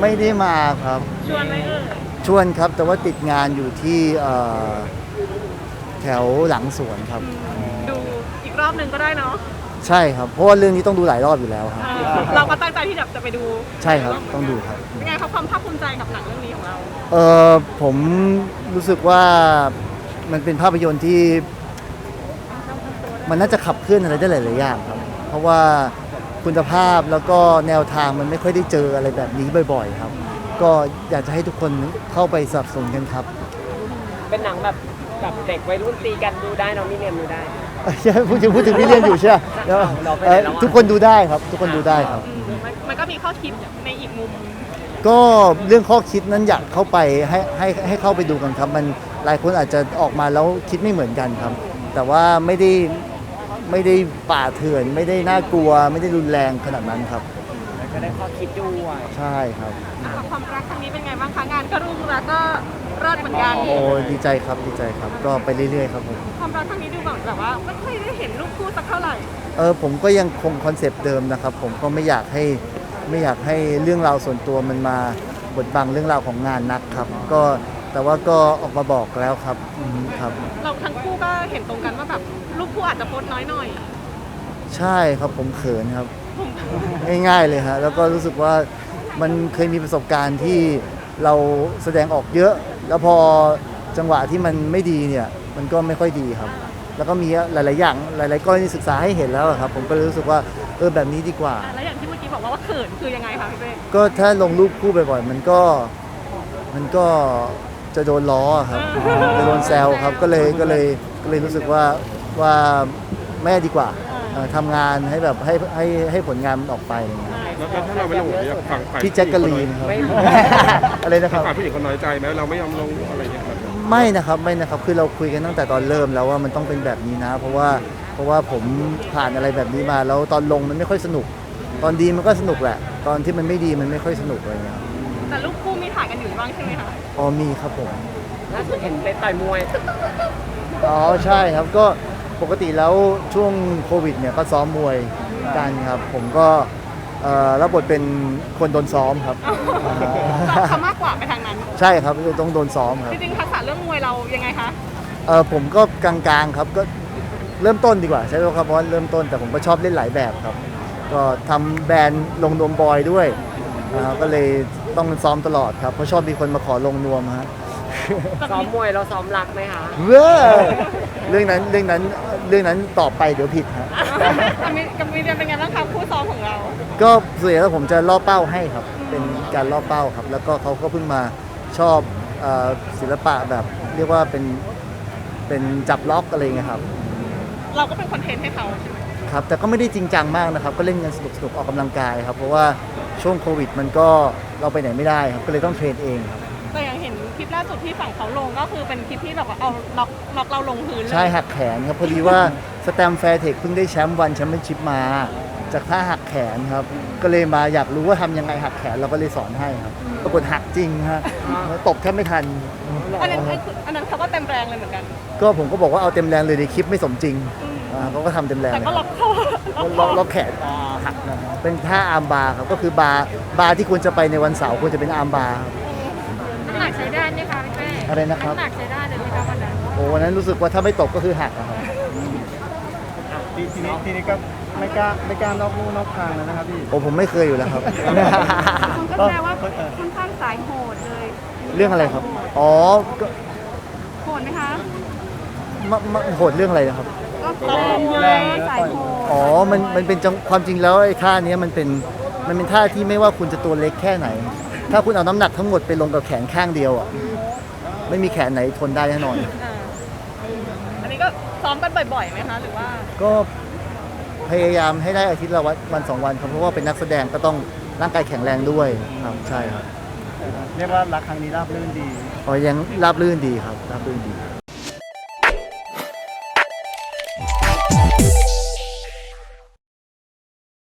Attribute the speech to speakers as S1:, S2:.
S1: ไม่ได้มาครับ
S2: ชวนไหม
S1: ชวนครับแต่ว่าติดงานอยู่ที่แถวหลังสวนครับ
S2: ดูอีกรอบหนึ่งก็ได้เนาะ
S1: ใช่ครับเพราะว่าเรื่องนี้ต้องดูหลายรอบอยู่แล้วครับ
S2: เราก็ตั้งใจที่จะไปดู
S1: ใช่ครับต้องดูครับ
S2: เป็นไงครับความภาคภูมิใจกับหนังเรื่องนี้ของเรา
S1: ผมรู้สึกว่ามันเป็นภาพยนตร์ที่มันน่าจะขับเคลื่อนอะไรได้หลายๆอย่างครับเพราะว่าคุณภาพแล้วก็แนวทางมันไม่ค่อยได้เจออะไรแบบนี้บ่อยๆครับก็อยากจะให้ทุกคนเข้าไปสนับสนุนกันครับ
S3: เป็นหนังแบบเด็กวัยรุ่นตีกันดูได้น้องมิเนียมดูได้
S1: ใช่พูดถึงพี่เรียนอยู่ใช่ไหมทุกคนดูได้ครับทุกคนดูได้ครับ
S2: มันก็มีข้อคิดในอีกมุม
S1: ก็เรื่องข้อคิดนั้นอยากเข้าไปให้เข้าไปดูกันครับมันหลายคนอาจจะออกมาแล้วคิดไม่เหมือนกันครับแต่ว่าไม่ได้ป่าเถื่อนไม่ได้น่ากลัวไม่ได้รุนแรงขนาดนั้นครับ
S3: ก็ได้ข้อคิดด้วย
S1: ใช่ครับ
S2: ความรักครั้งนี้เป็นไงบ้างคะงานก็รุ่งแล้วก็รอดเหมือนกัน
S1: โอ้ดีใจครับก็ไปเรื่อยๆครับผม
S2: ความรักครั้งนี้ดูแบบว่าไม่ค่อยได้เห็นรูปคู่สักเท่าไหร่
S1: ผมก็ยังคงคอนเซปต์เดิมนะครับผมก็ไม่อยากให้เรื่องราวส่วนตัวมันมาบดบังเรื่องราวของงานนักครับก็แต่ว่าก็ออกมาบอกแล้วครับครับ
S2: เราทั้งคู่ก็เห็นตรงกันว่าแบบรูปคู่อาจจะโพสน้อยหน่อย
S1: ใช่ครับผมเขินครับง่ายๆเลยฮะแล้วก็รู้สึกว่ามันเคยมีประสบการณ์ที่เราแสดงออกเยอะแล้วพอจังหวะที่มันไม่ดีเนี่ยมันก็ไม่ค่อยดีครับแล้วก็มีหลายๆอย่างหลายๆกรณีศึกษาให้เห็นแล้วครับผมก็รู้สึกว่าแบบนี้ดีกว่า
S2: แล้วอย่างที่เมื่อกี้บอกว่าเขินคือยังไงคะพี่เป้
S1: ก็ถ้าลงรูปคู่บ่อยๆมันก็จะโดนล้อครับจะโดนแซวครับก็เลยรู้สึกว่าแม่ดีกว่าทำงานให้แบบให้ผลงานมันออกไป
S4: แล้วถ้าเราไม่ลงอยากฟัง
S1: พี่แจ็คกะลีนครับอะไรนะครับ
S4: ผู้หญิงคนน้อยใจไหมเราไม่ยอมลงอะไรอย่างเงี้ย
S1: ไม่นะครับคือเราคุยกันตั้งแต่ตอนเริ่มแล้วว่ามันต้องเป็นแบบนี้นะเพราะว่าผมผ่านอะไรแบบนี้มาแล้วตอนลงมันไม่ค่อยสนุกตอนดีมันก็สนุกแหละตอนที่มันไม่ดีมันไม่ค่อยสนุกอะไรเงี้ย
S2: แต่ลูกคู่มีถ่ายกันอยู่บ้างใช่ไหมคะ
S1: มีครับผม
S3: ล่าสุดเห็นไปต่อยมวย
S1: ใช่ครับก็ปกติแล้วช่วงโควิดเนี่ยก็ซ้อมมวยกันครับผมก็รับบทเป็นคนโดนซ้อมครับ
S2: เขามากกว่าไปทางนั้น
S1: ใช่ครับต้องโดนซ้อมครับ
S2: จริงๆทักษะเรื่องมวยเรายังไงคะ
S1: ผมก็กลางๆครับก็เริ่มต้นดีกว่าใช่ไหมครับเพราะเริ่มต้นแต่ผมก็ชอบเล่นหลายแบบครับก็ทำแบรนด์ลงนวมบอยด้วยก็เลยต้องซ้อมตลอดครับเพราะชอบมีคนมาขอลงนวมฮะ
S3: ซ้อมมวยเราซ้อมรักไหมคะ
S1: เรื่องนั้นตอบไปเดี๋ยวผิดฮะ
S2: กับมีเรียนเป็นไงบ้างคะคู่ซ้อมของเรา
S1: ก็ส่วนใหญ่แล้วผมจะล่อเป้าให้ครับเป็นการล่อเป้าครับแล้วก็เขาก็เพิ่งมาชอบศิลปะแบบเรียกว่าเป็นจับล็อกอะไรเงี้ยครับ
S2: เราก็เป็นคอนเทนต์ให้เขาใช่ไหม
S1: ครับแต่ก็ไม่ได้จริงจังมากนะครับก็เล่นกันสนุกออกกำลังกายครับเพราะว่าช่วงโควิดมันก็เราไปไหนไม่ได้ครับก็เลยต้องเทรนเองครับ
S2: แต่อย่างเห็นคลิปล่าสุดที่ฝั่งเขาลงก็คือเป็นคลิปที่แบบว่าเอาล็อกเราลงพื้น
S1: ใช่หักแขนครับพอดีว่าสแตมแฟร์เทคเพิ่งได้แชมป์วันแชมเปี้ยนชิพมาจากท่าหักแขนครับก็เลยมาอยากรู้ว่าทำยังไงหักแขนเราก็เลยสอนให้ครับปรากฏหักจริงฮะตบแทบไม่ทัน
S2: อันนั้นเขาก็เต็มแรงเลยเหมือนกัน
S1: ก็ผมก็บอกว่าเอาเต็มแรงเลยในคลิปไม่สมจริงเขาก็ทำเต็มแรง
S2: แต่ก็
S1: ล็อกแขนหักนะเป็นท่าอาร์มบาร์ครับก็คือบาร์ที่ควรจะไปในวันเสาร์ควรจะเป็นอาร์มบาร์
S2: น้ำหนักใช้ได้ไหมคะพี่เป้
S1: อะไรนะครับ
S2: น้ำหนักใช้ได้เลยไหมคะวันนั้น
S1: วันนั้นรู้สึกว่าถ้าไม่ตกก็คือหักครับ
S4: ทีนี้ก็ไม่กล้านอกลู่นอกทางแล้วนะครับพี่
S1: ผมไม่เคยอยู่แล้วครับ
S2: ก็แปลว่าค่อนข้างสายโหดเลย
S1: เรื่องอะไรครับโ
S2: หดไหมคะ
S1: โหดเรื่องอะไรนะครับ
S2: ก็แรงสายโหด
S1: มันเป็นความจริงแล้วไอ้ท่านี้มันเป็นท่าที่ไม่ว่าคุณจะตัวเล็กแค่ไหนถ้าคุณเอาน้ำหนักทั้งหมดไปลงกับแขนข้างเดียวอ่ะไม่มีแขนไหนทนได้แน่นอน
S2: อันนี้ก็ซ้อมกันบ่อยๆไหมคะหรือว่า
S1: ก็พยายามให้ได้อาทิตย์ละวัน2 วันครับเพราะว่าเป็นนักแสดงก็ต้องร่างกายแข็งแรงด้วยครับใช่ครับ
S4: เรียกว่ารักครั้งนี้ราบรื่นดี
S1: ยังราบรื่นดีครับราบรื่นดี